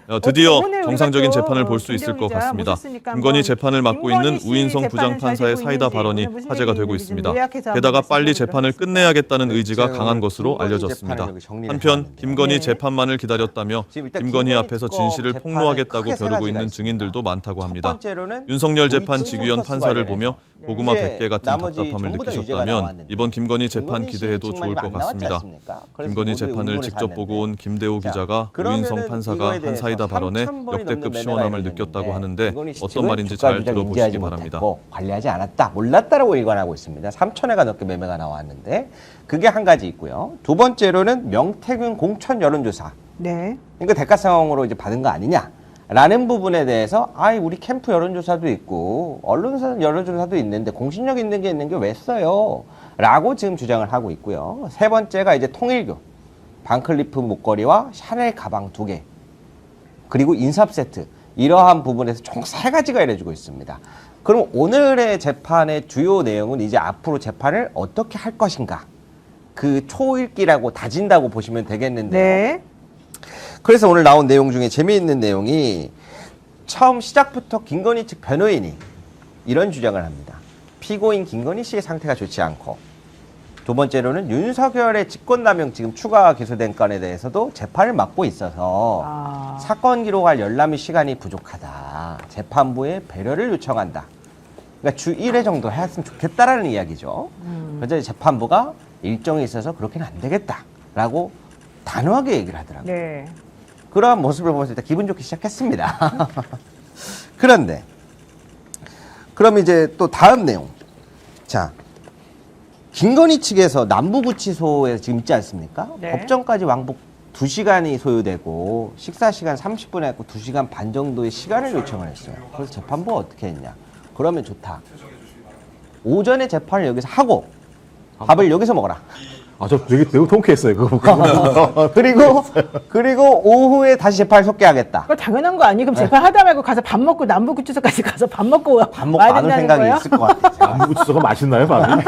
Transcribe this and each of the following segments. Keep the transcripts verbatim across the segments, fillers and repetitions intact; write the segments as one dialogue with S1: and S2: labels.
S1: 어, 드디어 정상적인 재판을 볼 수 있을 것 같습니다. 김건희 재판을 맡고 있는 우인성 부장판사의 사이다 발언이 화제가 되고 있습니다. 게다가 빨리 재판을 끝내야겠다는 의지가 강한 것으로 알려졌습니다. 한편 김건희 재판만을 기다렸다며 김건희 앞에서 진실을 폭로하겠다고 벼르고 있는 증인들도 많다고 합니다. 윤석열 재판 직위원 판사를 보며 고구마 백 개 같은 답답함을 느끼셨다면 이번 김건희 재판 기대해도 좋을 것 같습니다. 김건희 재판을 직접 보고 온 김대호 기자가 우인성 판사가 한 사이다 발언에 역대급 시원함을 느꼈다고 하는데 어떤 말인지 잘 들어보시기 바랍니다.
S2: 관리하지 않았다, 몰랐다라고 일관하고 있습니다. 삼천 회가 넘게 매매가 나왔는데 그게 한 가지 있고요. 두 번째로는 명태균 공천 여론조사.
S3: 네.
S2: 이거 대가성으로 이제 받은 거 아니냐? 라는 부분에 대해서 아이 우리 캠프 여론조사도 있고 언론사 여론조사도 있는데 공신력 있는 게 있는 게 왜 써요? 라고 지금 주장을 하고 있고요. 세 번째가 이제 통일교, 반클리프 목걸이와 샤넬 가방 두 개, 그리고 인삽 세트, 이러한 부분에서 총 세 가지가 이뤄지고 있습니다. 그럼 오늘의 재판의 주요 내용은 이제 앞으로 재판을 어떻게 할 것인가, 그 초읽기라고 다진다고 보시면 되겠는데요.
S3: 네.
S2: 그래서 오늘 나온 내용 중에 재미있는 내용이 처음 시작부터 김건희 측 변호인이 이런 주장을 합니다. 피고인 김건희 씨의 상태가 좋지 않고, 두 번째로는 윤석열의 직권남용 지금 추가 기소된 건에 대해서도 재판을 맡고 있어서
S3: 아.
S2: 사건 기록할 열람이 시간이 부족하다. 재판부에 배려를 요청한다. 그러니까 주 일 회 정도 했으면 좋겠다라는 이야기죠.
S3: 음.
S2: 그래서 재판부가 일정이 있어서 그렇게는 안 되겠다라고 단호하게 얘기를 하더라고요.
S3: 네.
S2: 그러한 모습을 보면서 일단 기분 좋게 시작했습니다. 그런데 그럼 이제 또 다음 내용. 자, 김건희 측에서 남부구치소에 지금 있지 않습니까?
S3: 네.
S2: 법정까지 왕복 두 시간이 소요되고 식사 시간 삼십 분 했고 두 시간 반 정도의 시간을 요청을 했어요. 그래서 재판부가 어떻게 했냐? 그러면 좋다. 오전에 재판을 여기서 하고 밥을 여기서 먹어라.
S4: 아, 저 되게 매우 통쾌했어요. 그거 보고.
S2: 그리고 그리고 오후에 다시 재판을 속개하겠다.
S3: 그거 당연한 거 아니에요? 그럼 재판 하다 말고 가서 밥 먹고 남부구치소까지 가서 밥 먹고
S2: 밥 먹고
S3: 와야
S2: 안 올
S3: 된다는
S2: 생각이
S3: 거예요?
S2: 있을 것 같아요.
S4: 남부구치소가 맛있나요, 밥이?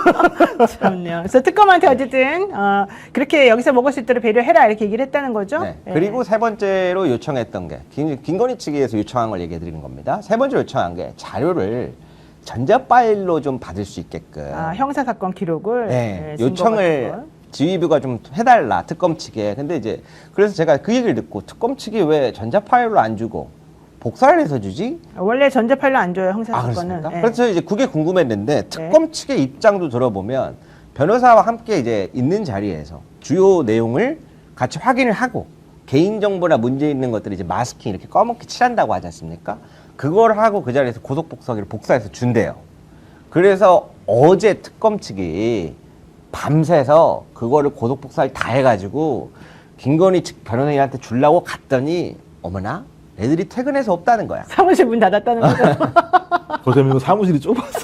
S3: 참요. 그래서 특검한테 어쨌든 어, 그렇게 여기서 먹을 수 있도록 배려해라 이렇게 얘기를 했다는 거죠.
S2: 네.
S3: 예.
S2: 그리고 세 번째로 요청했던 게 김, 김건희 측에서 요청한 걸 얘기해 드리는 겁니다. 세 번째로 요청한 게 자료를 전자 파일로 좀 받을 수 있게끔
S3: 아, 형사 사건 기록을
S2: 네,
S3: 예, 증거
S2: 요청을
S3: 같은 걸.
S2: 지휘부가 좀 해달라, 특검 측에. 근데 이제 그래서 제가 그 얘기를 듣고 특검 측이 왜 전자 파일로 안 주고 복사를 해서 주지?
S3: 원래 전자 파일로 안 줘요, 형사
S2: 아,
S3: 사건은.
S2: 그렇습니까?
S3: 예.
S2: 그래서 이제 그게 궁금했는데 특검 측의 입장도 들어보면 변호사와 함께 이제 있는 자리에서 주요 내용을 같이 확인을 하고 개인정보나 문제 있는 것들을 이제 마스킹 이렇게 검게 칠한다고 하지 않습니까? 그걸 하고 그 자리에서 고속복사기를 복사해서 준대요. 그래서 어제 특검 측이 밤새서 그거를 고속복사를 다 해가지고 김건희 측 변호인한테 주려고 갔더니 어머나 애들이 퇴근해서 없다는 거야.
S3: 사무실 문 닫았다는 거죠.
S4: 거기서 사무실이 좁았어.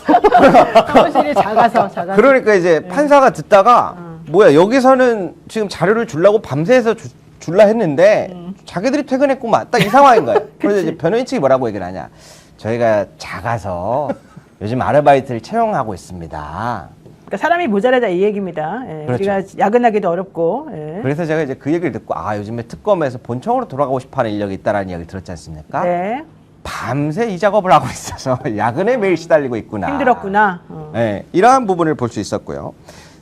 S3: 사무실이 작아서 작아서.
S2: 그러니까 이제 판사가 듣다가 뭐야 여기서는 지금 자료를 주려고 밤새서 주, 줄라 했는데
S3: 음.
S2: 자기들이 퇴근했구만. 딱 이 상황인 거예요. 그래서 이제 변호인 측이 뭐라고 얘기를 하냐. 저희가 작아서 요즘 아르바이트를 채용하고 있습니다.
S3: 그러니까 사람이 모자라다 이 얘기입니다. 예,
S2: 그렇죠.
S3: 우리가 야근하기도 어렵고. 예.
S2: 그래서 제가 이제 그 얘기를 듣고 아 요즘에 특검에서 본청으로 돌아가고 싶어하는 인력이 있다라는 이야기를 들었지 않습니까?
S3: 네.
S2: 밤새 이 작업을 하고 있어서 야근에 매일 시달리고 있구나.
S3: 힘들었구나. 어.
S2: 네, 이러한 부분을 볼 수 있었고요.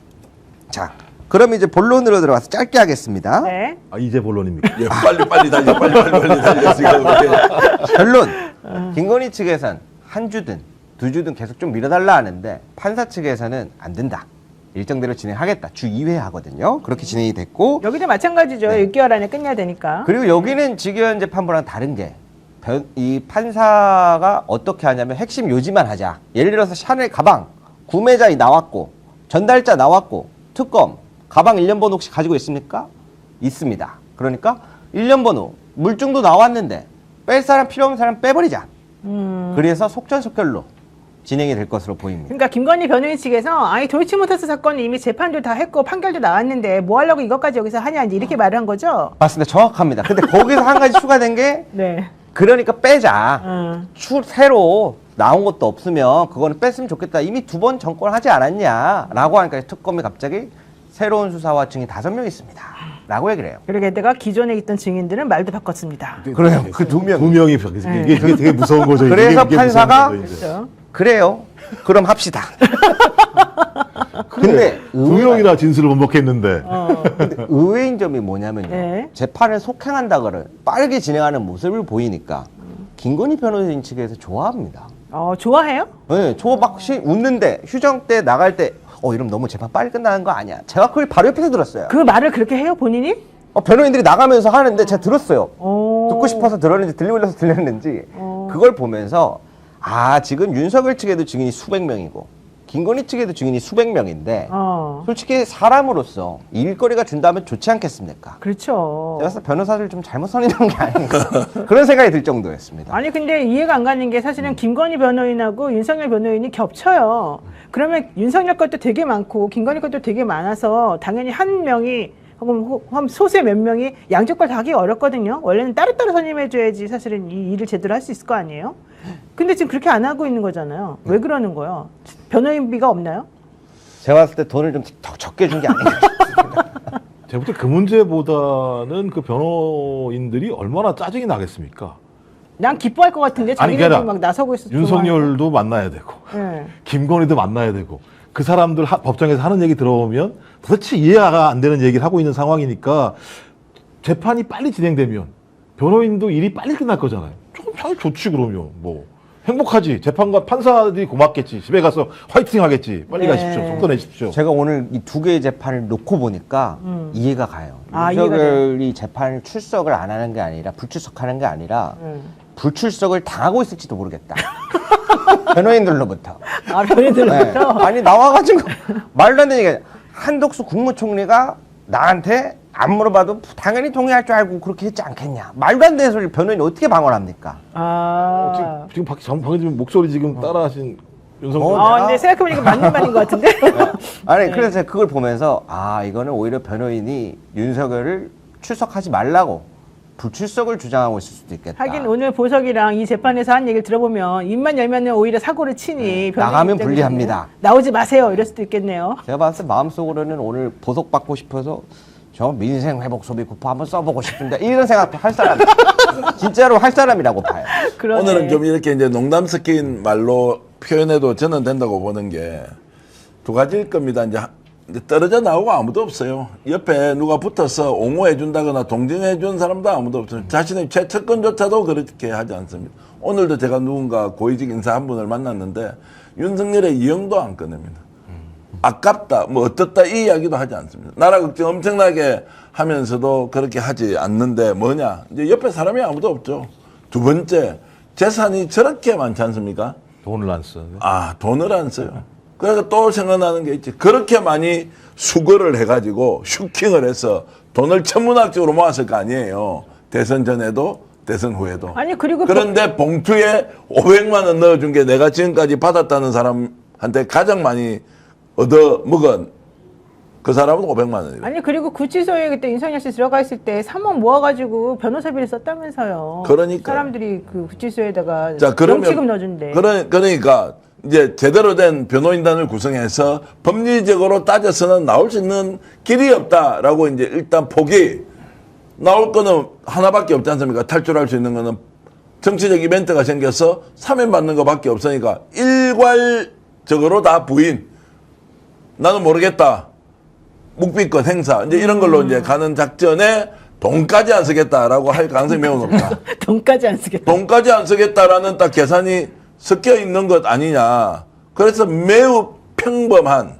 S2: 자, 그럼 이제 본론으로 들어가서 짧게 하겠습니다.
S3: 네.
S4: 아, 이제 본론입니까?
S1: 예, 빨리 빨리 달려, 빨리 빨리 빨리 달려. 지금
S2: 결론. 김건희 측에선 한 주든 두 주든 계속 좀 밀어달라 하는데 판사 측에서는 안 된다. 일정대로 진행하겠다. 주 이 회 하거든요. 그렇게 진행이 됐고
S3: 여기도 마찬가지죠.
S2: 네.
S3: 육 개월 안에 끝내야 되니까.
S2: 그리고 여기는 직위원 재판부랑 다른 게 이 판사가 어떻게 하냐면 핵심 요지만 하자. 예를 들어서 샤넬 가방 구매자 나왔고 전달자 나왔고 특검 가방 일련 번호 혹시 가지고 있습니까? 있습니다. 그러니까 일련 번호 물증도 나왔는데 뺄 사람 필요 없는 사람 빼버리자.
S3: 음.
S2: 그래서 속전속결로 진행이 될 것으로 보입니다.
S3: 그러니까 김건희 변호인 측에서 아니 도이치모터스 사건은 이미 재판도 다 했고 판결도 나왔는데 뭐 하려고 이것까지 여기서 하냐 이제 이렇게 말을 한 거죠.
S2: 맞습니다. 정확합니다. 근데 거기서 한 가지 추가된 게
S3: 네.
S2: 그러니까 빼자.
S3: 음.
S2: 추 새로 나온 것도 없으면 그거는 뺐으면 좋겠다. 이미 두 번 정권하지 않았냐라고 하니까 특검이 갑자기 새로운 수사와 증인 다섯 명 있습니다. 라고 얘기를 해요.
S3: 그러게 내가 기존에 있던 증인들은 말도 바꿨습니다.
S2: 그래요. 그 두 명.
S4: 두 명이 이게, 이게 되게, 되게 무서운 거죠. 이게.
S2: 그래서
S4: 이게
S2: 판사가
S4: 무서운 거죠, 이제.
S3: 그렇죠.
S2: 그래요. 그럼 합시다. 근데
S4: 두
S2: 의외가-
S4: 명이나 진술을 번복했는데
S3: 어.
S2: 근데 의외인 점이 뭐냐면요.
S3: 네.
S2: 재판을 속행한다거나 빠르게 진행하는 모습을 보이니까 김건희 변호인 측에서 좋아합니다.
S3: 어, 좋아해요?
S2: 네, 저막 웃는데 휴정 때 나갈 때 어, 이러면 너무 재판 빨리 끝나는 거 아니야? 제가 그걸 바로 옆에서 들었어요.
S3: 그 말을 그렇게 해요, 본인이?
S2: 어, 변호인들이 나가면서 하는데 제가 들었어요.
S3: 오.
S2: 듣고 싶어서 들었는지 들리려서 들렸는지
S3: 어.
S2: 그걸 보면서 아 지금 윤석열 측에도 증인이 수백 명이고 김건희 측에도 증인이 수백 명인데
S3: 어.
S2: 솔직히 사람으로서 일거리가 준다면 좋지 않겠습니까?
S3: 그렇죠.
S2: 제가 봤을 때 변호사들 좀 잘못 선임한 게 아닌가 그런 생각이 들 정도였습니다.
S3: 아니 근데 이해가 안 가는 게 사실은 김건희 변호인하고 윤석열 변호인이 겹쳐요. 그러면 윤석열 것도 되게 많고 김건희 것도 되게 많아서 당연히 한 명이 혹은 한 소수의 몇 명이 양쪽 걸 다 하기 어렵거든요. 원래는 따로따로 선임해줘야지 사실은 이 일을 제대로 할 수 있을 거 아니에요. 근데 지금 그렇게 안 하고 있는 거잖아요. 왜 그러는 거예요? 변호인비가 없나요?
S2: 제가 봤을 때 돈을 좀 더 적게 준 게 아닌가.
S4: 제가 볼 때 그 문제보다는 그 변호인들이 얼마나 짜증이 나겠습니까?
S3: 난 기뻐할 것 같은데
S4: 아니,
S3: 자기네들이
S4: 그러니까
S3: 막 나서고 있어.
S4: 윤석열도 만나야 되고
S3: 네.
S4: 김건희도 만나야 되고 그 사람들 하, 법정에서 하는 얘기 들어보면 도대체 이해가 안 되는 얘기를 하고 있는 상황이니까 재판이 빨리 진행되면 변호인도 일이 빨리 끝날 거잖아요. 조금 잘 좋지 그러면 뭐 행복하지. 재판관 판사들이 고맙겠지. 집에 가서 화이팅 하겠지. 빨리
S3: 네.
S4: 가십시오. 속도 내십시오.
S2: 제가 오늘 이 두 개의 재판을 놓고 보니까
S3: 음.
S2: 이해가 가요.
S3: 아, 이해가
S2: 윤석열이 재판을 출석을 안 하는 게 아니라 불출석하는 게 아니라
S3: 음.
S2: 불출석을 당하고 있을지도 모르겠다. 변호인들로부터.
S3: 아 변호인들로부터.
S2: 네. 아니 나와가지고 말도 안 되는 얘기. 한덕수 국무총리가 나한테 안 물어봐도 당연히 동의할 줄 알고 그렇게 했지 않겠냐. 말도 안 되는 소리를 변호인이 어떻게 방어합니까?
S3: 아.
S4: 지금 지금 박 방금 목소리 지금 따라하신 윤석열.
S2: 어,
S3: 아, 근데 생각해보니까 맞는 말인 것 같은데?
S2: 아니
S3: 네.
S2: 그래서 제가 그걸 보면서 아 이거는 오히려 변호인이 윤석열을 출석하지 말라고 불출석을 주장하고 있을 수도 있겠다.
S3: 하긴 오늘 보석이랑 이 재판에서 한 얘기를 들어보면 입만 열면 오히려 사고를 치니 변호인
S2: 나가면
S3: 입장에서는
S2: 불리합니다.
S3: 나오지 마세요 이럴 수도 있겠네요.
S2: 제가 봤을 때 마음속으로는 오늘 보석 받고 싶어서 저 민생 회복 소비 쿠폰 한번 써보고 싶은데 이런 생각도 할 사람 진짜로 할 사람이라고 봐요.
S3: 그러네.
S5: 오늘은 좀 이렇게 이제 농담 섞인 말로 표현해도 저는 된다고 보는 게 두 가지일 겁니다. 이제 이제 떨어져 나오고 아무도 없어요. 옆에 누가 붙어서 옹호해 준다거나 동정해 준 사람도 아무도 없어요. 자신의 최측근조차도 그렇게 하지 않습니다. 오늘도 제가 누군가 고위직 인사 한 분을 만났는데 윤석열의 이영도 안 꺼냅니다. 아깝다, 뭐 어떻다 이 이야기도 하지 않습니다. 나라 걱정 엄청나게 하면서도 그렇게 하지 않는데 뭐냐? 이제 옆에 사람이 아무도 없죠. 두 번째, 재산이 저렇게 많지 않습니까?
S4: 돈을 안 써.
S5: 아, 돈을 안 써요. 그러니까 또 생각나는 게 있지. 그렇게 많이 수거를 해가지고 슈킹을 해서 돈을 천문학적으로 모았을 거 아니에요. 대선 전에도 대선 후에도.
S3: 아니 그리고
S5: 그런데 봉투에 오백만 원 넣어준 게 내가 지금까지 받았다는 사람한테 가장 많이 얻어 먹은 그 사람은 오백만 원이에요.
S3: 아니 그리고 구치소에 그때 윤석열 씨 들어가 있을 때 삼억 모아가지고 변호사비를 썼다면서요.
S5: 그러니까요.
S3: 사람들이 그 구치소에다가
S5: 자, 그러면
S3: 명치금 넣어준대.
S5: 그러, 그러니까 이제 제대로 된 변호인단을 구성해서 법리적으로 따져서는 나올 수 있는 길이 없다라고 이제 일단 포기. 나올 거는 하나밖에 없지 않습니까? 탈출할 수 있는 거는 정치적 이벤트가 생겨서 사면 받는 거밖에 없으니까 일괄적으로 다 부인. 나는 모르겠다. 묵비권 행사. 이제 이런 걸로 이제 가는 작전에 돈까지 안 쓰겠다라고 할 가능성이 매우 높다.
S3: 돈까지 안 쓰겠다.
S5: 돈까지 안 쓰겠다라는 딱 계산이 섞여 있는 것 아니냐. 그래서 매우 평범한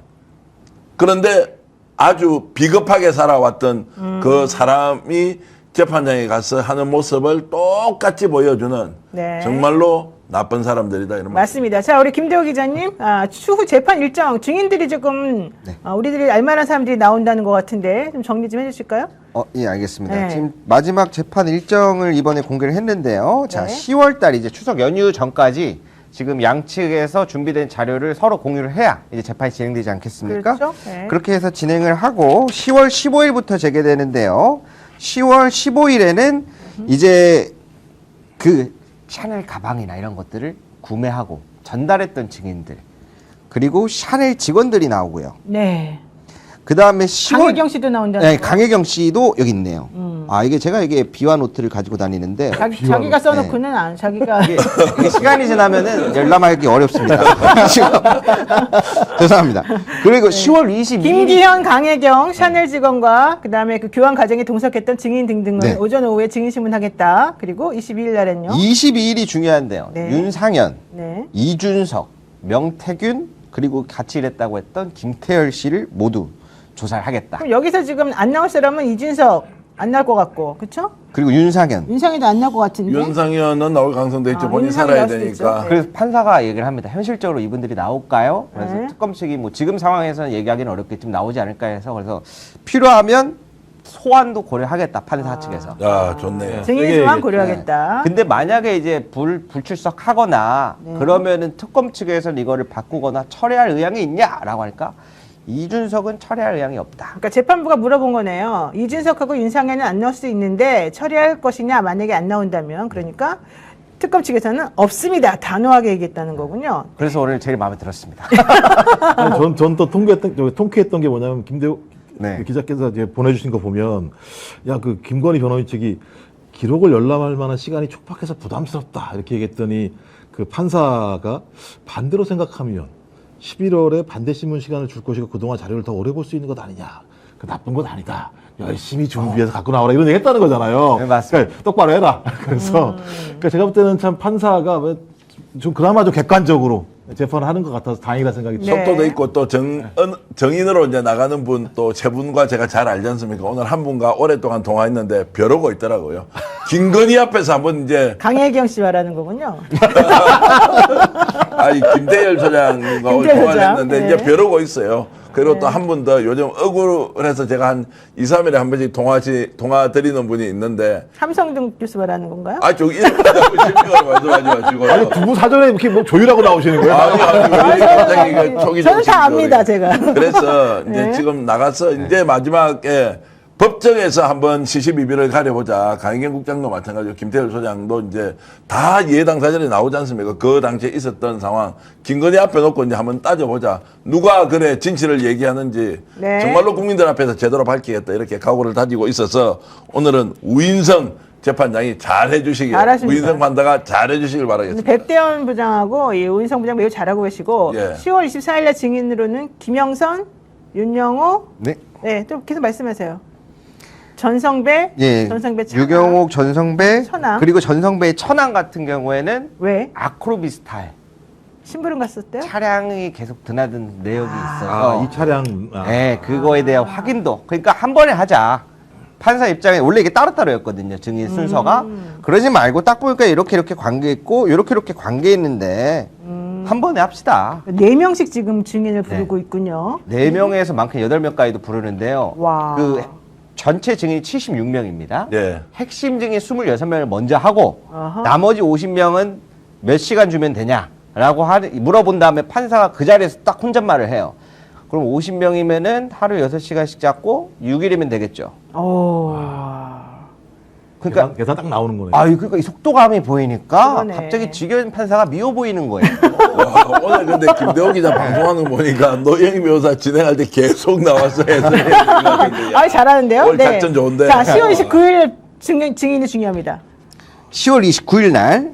S5: 그런데 아주 비겁하게 살아왔던
S3: 음.
S5: 그 사람이 재판장에 가서 하는 모습을 똑같이 보여주는
S3: 네.
S5: 정말로 나쁜 사람들이다 이런 말.
S3: 맞습니다. 자, 우리 김대호 기자님, 아, 추후 재판 일정 증인들이 조금
S2: 네.
S3: 아, 우리들이 알만한 사람들이 나온다는 것 같은데 좀 정리 좀 해주실까요?
S2: 어, 예, 알겠습니다.
S3: 네.
S2: 지금 마지막 재판 일정을 이번에 공개를 했는데요. 자,
S3: 네.
S2: 시월 달 이제 추석 연휴 전까지 지금 양측에서 준비된 자료를 서로 공유를 해야 이제 재판이 진행되지 않겠습니까?
S3: 그렇죠. 네.
S2: 그렇게 해서 진행을 하고 시월 십오일부터 재개되는데요. 시월 십오일에는 이제 그 샤넬 가방이나 이런 것들을 구매하고 전달했던 증인들 그리고 샤넬 직원들이 나오고요.
S3: 네.
S2: 그 다음에 시월
S3: 강혜경 씨도 나온다는
S2: 네,
S3: 거.
S2: 강혜경 씨도 여기 있네요.
S3: 음.
S2: 아 이게 제가 이게 비화 노트를 가지고 다니는데
S3: 자기,
S4: 비와
S3: 자기가 써놓고는 안 자기가
S2: 이게, 이게 시간이 지나면은 열람하기 어렵습니다. 지금 죄송합니다. 그리고 시월 이십이 일
S3: 김기현, 강혜경, 샤넬 직원과 그다음에 그 교환 과정에 동석했던 증인 등등을
S2: 네.
S3: 오전 오후에 증인 신문하겠다. 그리고 이십이 일 날엔요.
S2: 이십이 일이 중요한데요.
S3: 네.
S2: 윤상현,
S3: 네.
S2: 이준석, 명태균 그리고 같이 일했다고 했던 김태열 씨를 모두 조사를 하겠다.
S3: 그럼 여기서 지금 안 나올 사람은 이준석 안 나올 것 같고, 그렇죠?
S2: 그리고 윤상현.
S3: 윤상이도 안 나올 것 같은데.
S5: 윤상현은 나올 가능성도 있죠.
S3: 아,
S5: 본인이
S3: 윤상이
S5: 살아야
S3: 나올 수도
S5: 되니까.
S3: 있죠.
S2: 그래서 판사가 얘기를 합니다. 현실적으로 이분들이 나올까요? 그래서
S3: 네.
S2: 특검 측이 뭐 지금 상황에서는 얘기하기는 어렵겠지만 나오지 않을까 해서 그래서 필요하면 소환도 고려하겠다 판사 측에서.
S5: 야, 좋네.
S3: 증인
S4: 세게
S3: 소환
S4: 얘기했죠.
S3: 고려하겠다.
S2: 근데 만약에 이제 불 불출석하거나
S3: 네.
S2: 그러면은 특검 측에서는 이거를 바꾸거나 철회할 의향이 있냐라고 할까? 이준석은 철회할 의향이 없다.
S3: 그러니까 재판부가 물어본 거네요. 이준석하고 윤상현은 안 나올 수 있는데 처리할 것이냐 만약에 안 나온다면 그러니까 특검 측에서는 없습니다. 단호하게 얘기했다는 거군요.
S2: 그래서 오늘 제일 마음에 들었습니다.
S4: 전, 전 또 통쾌했던, 저 통쾌했던 게 뭐냐면, 김대호
S2: 네.
S4: 기자께서 이제 보내주신 거 보면, 야, 그 김건희 변호인 측이 기록을 열람할 만한 시간이 촉박해서 부담스럽다. 이렇게 얘기했더니, 그 판사가 반대로 생각하면, 십일월에 반대 신문 시간을 줄 것이고 그동안 자료를 더 오래 볼 수 있는 것 아니냐. 그 나쁜 건 아니다. 열심히 준비해서 갖고 나오라. 이런 얘기 했다는 거잖아요.
S2: 네, 맞습니다.
S4: 그러니까 똑바로 해라. 그래서, 그러니까 제가 볼 때는 참 판사가 왜 좀 그나마 좀 객관적으로 재판을 하는 것 같아서 다행이다 생각이
S3: 네.
S4: 들어요.
S5: 속도도 있고 또 정, 은- 정인으로 이제 나가는 분 또 세 분과 제가 잘 알지 않습니까? 오늘 한 분과 오랫동안 통화했는데 벼르고 있더라고요. 김건희 앞에서 한번 이제
S3: 강혜경 씨 말하는 거군요.
S5: 아니 김대열 소장과 오늘
S3: 김대열
S5: 통화를
S3: 소장.
S5: 했는데
S3: 네.
S5: 이제 벼르고 있어요. 그리고 또 한 분 더 요즘 억울해서 제가 한 이, 삼 일에 한 번씩 통화시, 통화 드리는 분이 있는데
S3: 함성등 교수 말하는 건가요?
S5: 아, 저기 이렇게 심리적으로 말씀하지 마시고.
S4: 아니, 두 분 사전에 이렇게 뭐 조율하고 나오시는 거예요?
S5: 아니, 아니, 왜 갑자기 그 초기
S3: 저는 다
S5: 정신적으로.
S3: 압니다, 제가.
S5: 그래서 이제
S3: 네.
S5: 지금 나가서 이제 마지막에 법정에서 한번 시시비비를 가려보자. 강희경 국장도 마찬가지고 김태열 소장도 이제 다 예당 사전에 나오지 않습니까? 그 당시에 있었던 상황. 김건희 앞에 놓고 이제 한번 따져보자. 누가 그래 진실을 얘기하는지
S3: 네.
S5: 정말로 국민들 앞에서 제대로 밝히겠다. 이렇게 각오를 다지고 있어서 오늘은 우인성 재판장이 잘 해주시길,
S3: 잘하십니다.
S5: 우인성 판사가 잘 해주시길 바라겠습니다.
S3: 백대원 부장하고 이 오인성 부장 매우 잘하고 계시고
S5: 예.
S3: 시월 이십사일 날 증인으로는 김영선, 윤영호,
S2: 네.
S3: 네, 또 계속 말씀하세요. 전성배,
S2: 예.
S3: 전성배 천황.
S2: 유경옥, 전성배,
S3: 천황.
S2: 그리고 전성배의 천황 같은 경우에는
S3: 왜?
S2: 아크로비스탈
S3: 심부름 갔었대요?
S2: 차량이 계속 드나든 내역이
S4: 아,
S2: 있어서
S4: 이 차량. 아.
S2: 네, 그거에 대한 확인도. 그러니까 한 번에 하자. 판사 입장에 원래 이게 따로따로였거든요. 증인 순서가.
S3: 음.
S2: 그러지 말고 딱 보니까 이렇게 이렇게 관계 있고 이렇게 이렇게 관계 있는데
S3: 음.
S2: 한 번에 합시다.
S3: 네 명씩 지금 증인을 부르고 있군요.
S2: 네 명에서 많게는 여덟 명까지도 부르는데요.
S3: 와.
S2: 그 전체 증인이 칠십육 명입니다.
S5: 예.
S2: 핵심 증인 이십육 명을 먼저 하고
S3: 아하.
S2: 나머지 오십 명은 몇 시간 주면 되냐라고 하, 물어본 다음에 판사가 그 자리에서 딱 혼잣말을 해요. 그럼 오십 명이면은 하루 여섯 시간씩 잡고 육 일이면 되겠죠.
S3: 오.
S2: 그러니까
S4: 계산, 계산 딱 나오는 거네요.
S2: 아, 그러니까 이 속도감이 보이니까
S3: 그러네.
S2: 갑자기 지견 판사가 미워 보이는 거예요.
S5: 와, 오늘 근데 김대호 기자 방송하는 거 보니까 노영희 변호사 진행할 때 계속 나와서 해설해.
S3: 아, 잘하는데요?
S5: 오늘 작전 좋은데.
S3: 자, 시월 이십구일 증인, 증인이 중요합니다.
S2: 시월 이십구일 날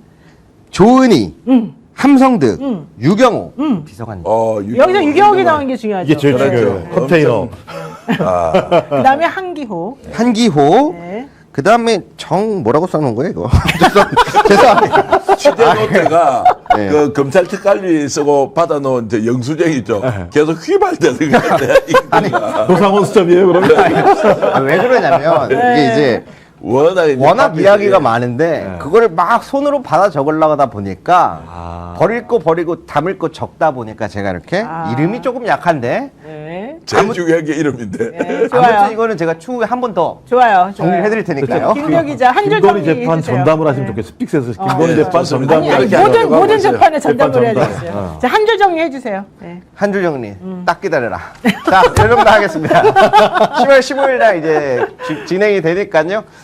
S2: 조은희,
S3: 음.
S2: 함성득,
S3: 음.
S2: 유경호
S3: 음.
S2: 비서관님.
S5: 어,
S3: 여기서 유경옥이 나오는 게 중요하죠.
S4: 이게 제일
S5: 그렇죠.
S4: 중요해요. 컨테이너.
S5: 아,
S3: 그 다음에 한기호.
S2: 한기호.
S3: 네.
S2: 그 다음에 정 뭐라고 써놓은 거예요 이거? 죄송- 죄송합니다.
S5: 취재 노트가
S2: 네.
S5: 그 검찰 특활비 쓰고 받아놓은 저 영수증 있죠. 계속 휘발되는 거같아
S4: 도상원 수첩이에요, 그러면?
S2: 아, 왜 그러냐면
S3: 네.
S2: 이게 이제
S5: 워낙 이제
S2: 워낙
S5: 카피들이-
S2: 이야기가 많은데
S4: 네.
S2: 그거를 막 손으로 받아 적으려고 하다 보니까
S4: 아.
S2: 버릴 거 버리고 담을 거 적다 보니까 제가 이렇게
S3: 아.
S2: 이름이 조금 약한데
S3: 네.
S5: 제일 중요한 게 이름인데.
S3: 네, 좋아요.
S2: 아무튼 이거는 제가 추후에 한 번 더
S3: 좋아요.
S2: 정리를
S3: 좋아요.
S2: 해드릴 테니까요.
S3: 김대호 기자 한 줄
S4: 김건희
S3: 정리
S4: 재판
S3: 해주세요.
S4: 전담을 하시면
S3: 네.
S4: 좋겠어요. 스픽스에서 김건희
S5: 네,
S4: 재판
S5: 좋습니다.
S4: 전담을
S3: 아니, 아니
S5: 이렇게
S3: 모든
S5: 하려고
S3: 모든
S5: 하고 있어요.
S3: 재판에 전담을 해야
S4: 재판
S3: 되겠어요.
S4: 전담.
S3: 자, 한 줄 정리 해주세요. 네.
S2: 한 줄 정리 딱 기다려라. 자, 이 정도 하겠습니다. 시월 십오일 날 이제 지- 진행이 되니까요.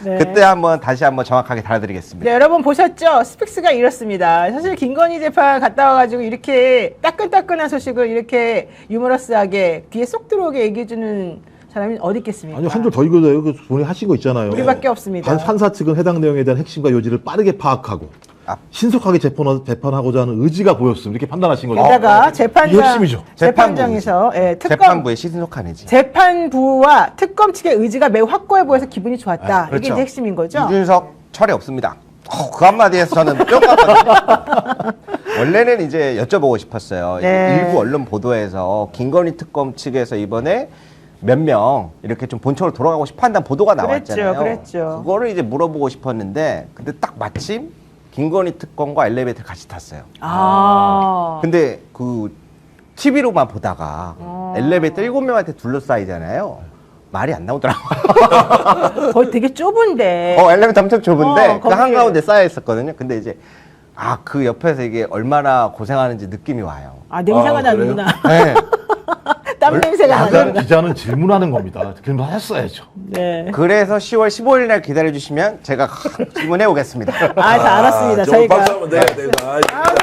S3: 네.
S2: 그때 한번 다시 한번 정확하게 달아드리겠습니다.
S3: 네, 여러분 보셨죠? 스픽스가 이렇습니다. 사실 김건희 재판 갔다 와가지고 이렇게 따끈따끈한 소식을 이렇게 유머러스하게 귀에 쏙 들어오게 얘기해주는 사람이 어디 있겠습니까?
S4: 아니 한 줄 더 읽어줘요. 그 본인 하신 거 있잖아요.
S3: 우리밖에 없습니다.
S4: 판- 판사 측은 해당 내용에 대한 핵심과 요지를 빠르게 파악하고
S2: 아.
S4: 신속하게 재판, 재판하고자 하는 의지가 보였음. 이렇게 판단하신 거죠.
S3: 게다가
S4: 이게
S3: 재판장,
S4: 핵심이죠.
S3: 재판장에서 예, 특검
S2: 재판부의 신속한 의지.
S3: 재판부와 특검 측의 의지가 매우 확고해 보여서 기분이 좋았다.
S2: 아, 그렇죠.
S3: 이게 이제 핵심인 거죠.
S2: 이준석 철이 없습니다. 어, 그 한마디에서 저는 뿅 갔거든요. 원래는 이제 여쭤보고 싶었어요.
S3: 네.
S2: 일부 언론 보도에서 김건희 특검 측에서 이번에 몇 명 이렇게 좀 본청으로 돌아가고 싶어 한다는 보도가
S3: 그랬죠,
S2: 나왔잖아요.
S3: 그랬죠.
S2: 그거를 이제 물어보고 싶었는데 근데 딱 마침 김건희 특검과 엘리베이터를 같이 탔어요.
S3: 아.
S2: 근데 그 티비로만 보다가
S3: 어.
S2: 엘리베이터 일곱 명한테 둘러싸이잖아요. 말이 안 나오더라고요.
S3: 거의 되게 좁은데.
S2: 어, 엘리베이터 엄청 좁은데
S3: 어,
S2: 그
S3: 거기에-
S2: 한가운데 쌓여 있었거든요. 근데 이제 아, 그 옆에서 이게 얼마나 고생하는지 느낌이 와요.
S3: 아, 냄새가
S5: 아,
S3: 나는구나.
S2: 네.
S3: 땀 냄새가
S4: 야간
S3: 나는구나.
S4: 기자는 질문하는 겁니다. 질문 했어야죠.
S3: 네.
S2: 그래서 시월 십오일 날 기다려 주시면 제가 질문해 오겠습니다.
S3: 아, 다 알았습니다.
S5: 아, 좀
S3: 저희가.
S5: 박수 한번 내야 되나.